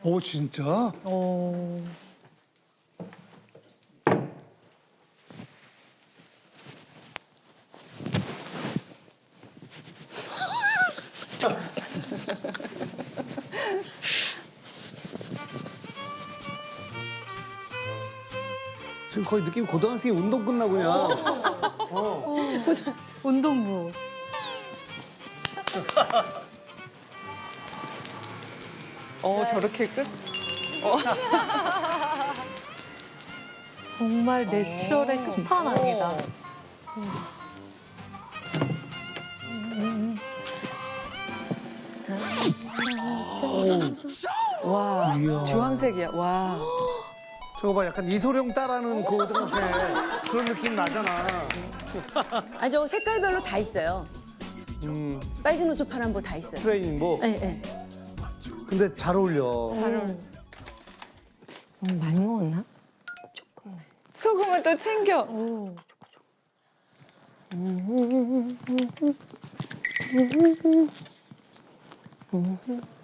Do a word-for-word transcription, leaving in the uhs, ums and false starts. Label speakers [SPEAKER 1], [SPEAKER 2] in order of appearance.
[SPEAKER 1] 오, 진짜?
[SPEAKER 2] 어.
[SPEAKER 1] 지금 거의 느낌 고등학생이 운동 끝나고 그냥. 어.
[SPEAKER 2] 운동부.
[SPEAKER 3] 어 저렇게 끝?
[SPEAKER 2] 정말 내추럴의 끝판왕이다.
[SPEAKER 3] 와
[SPEAKER 1] 이야.
[SPEAKER 3] 주황색이야. 와.
[SPEAKER 1] 저거 봐, 약간 이소룡 따라하는 그 고등학생 그런 느낌 나잖아.
[SPEAKER 4] 아, 저 색깔별로 다 있어요.
[SPEAKER 1] 음,
[SPEAKER 4] 빨간 옷, 파란 거 다 있어요.
[SPEAKER 1] 트레이닝복.
[SPEAKER 4] 네, 네.
[SPEAKER 1] 근데 잘 어울려.
[SPEAKER 3] 잘 어울려.
[SPEAKER 5] 많이 먹었나?
[SPEAKER 3] 소금은 또 챙겨.
[SPEAKER 5] 음.